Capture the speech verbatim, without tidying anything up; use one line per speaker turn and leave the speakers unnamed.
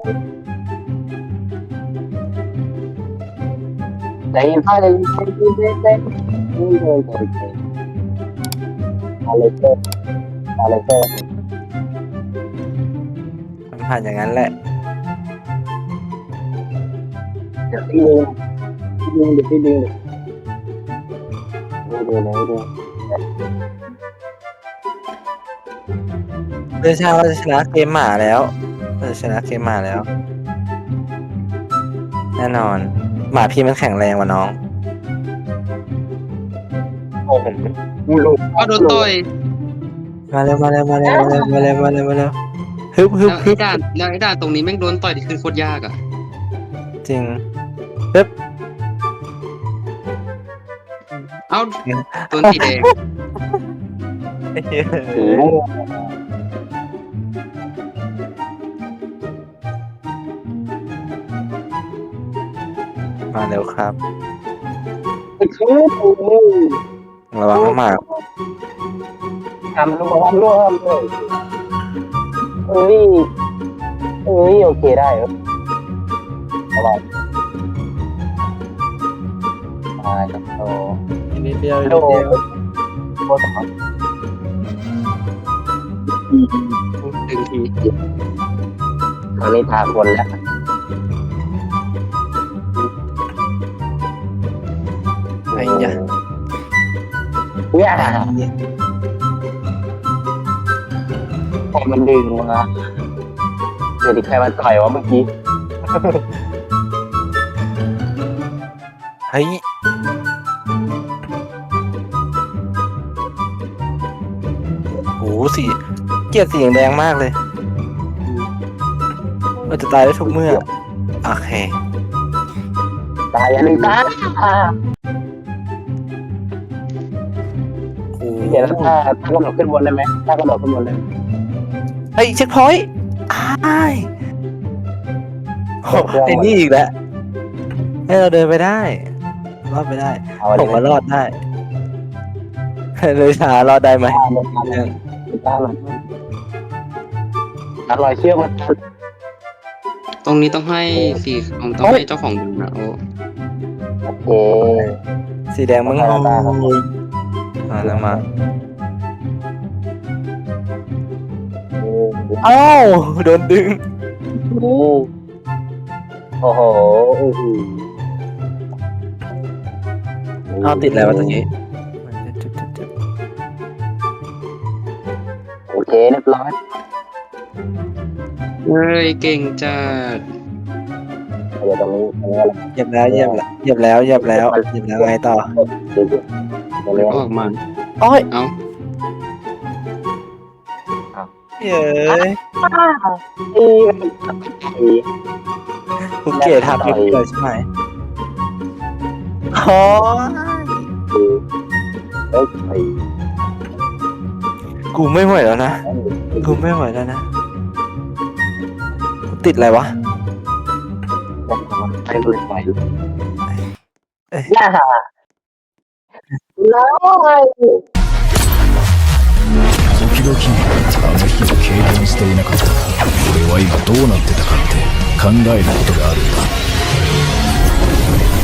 ใจเย็นพ่อใจเย็นใจเย็นใจเย็นใจเย็นใจเย็นอะไรเกิดอะไรเกิด
มันผ่านอย่างนั้นแหละ
เดี๋ยวพี่ดึงพี่ดึงเดี๋ยวพี่ดึงดูดูนะดู
เพื่อชาติว่าจะชนะเกมหมาแล้วเราจะชนะเกมหมาแล้ว แน่นอน หมาพี่มันแข็งแรงกว่าน้อง
โอ้โหกูลง
ก็โดนต่อย
มาเร็วมาเร็วมาเร็วมาเร็วมาเร็วมาเร็วมาเร็วฮึบฮึบ
แล้ว
ฮึ
ไอ้
บ
ด่านแล้วไอ้ด่านตรงนี้แม่งโดนต่อยที่คือโคตรยากอ่ะ
จริงฮึบ
เอ้าตัวสีแดง
ถือ
มาเร็วครับ
ถือถือ
ระวังน้องหมา
ทำร่วมร่วมเลยเอ้ยเอ้ยโอเคได้เหรอระวังมาจับโต
อีกนิดเดียวอีก
โด
นิดเดียว
โคตรสำคัญ
หนึ่งที
ตอนนี้ทาคนแล้ว
ไอ้ยะ
เนี่ยพอมันดึงมาเดี๋ยวดิใครมันต่อยวะเมื่อกี้
เฮ้ยโอ้โหสีเกลียดสีแดงมากเลยเราจะตายได้ทุกเมื่อโอเค
ตายอย่าลืมตา
โอ้
เดี๋ยวถ้าถ้ากระโดดขึ้นบนได้ไหมถ้ากระโดดขึ้นบนเลย
เฮ้ยเช็คพอยต์อ้ายโอ้ไอ้นี่อีกแล้วให้เราเดินไปได้รอดไปได้
เอา
ผ
เล
ม
ย
ว่ารอดได้เลยชารอดได้ไหม
ตาหน่อยอร่อยเชื่อมัน
ตรงนี้ต้องให้สีของต้องให้เจ้าของดูนะโอ้
โอเค
สีแดงมึงโอ้ยมาแล้วมาเอ้าโดนดึง
โอ้โหโอ้โห
เอาติดแล้วตรงนี้
โอเคเรียบร้อย
เฮ้ยเก่งจัด
เดี๋ยวตรงนี้ตรงนี้อะไร
เหยียบแล้วเหยียบแล้วเหยียบแล้วเหยียบแล้วเหยียบแล้วไงต่อ
เดี๋ยวตรงนี้
ออกมา
โอ้ย
เอ้า
เย้ย
อีอี
กูเกลียดทับอยู่เลยใช่ไหมโอ้ย
เอ้ยไอ้
กูไม่ไหวแล้วนะกูไม่ไหวแล้วนะกูติดอะไรวะ
ไปเลยไปย่าแล้วไง
時々あの日を経験していなかったが俺は今どうなってたかって考えることがあるんだ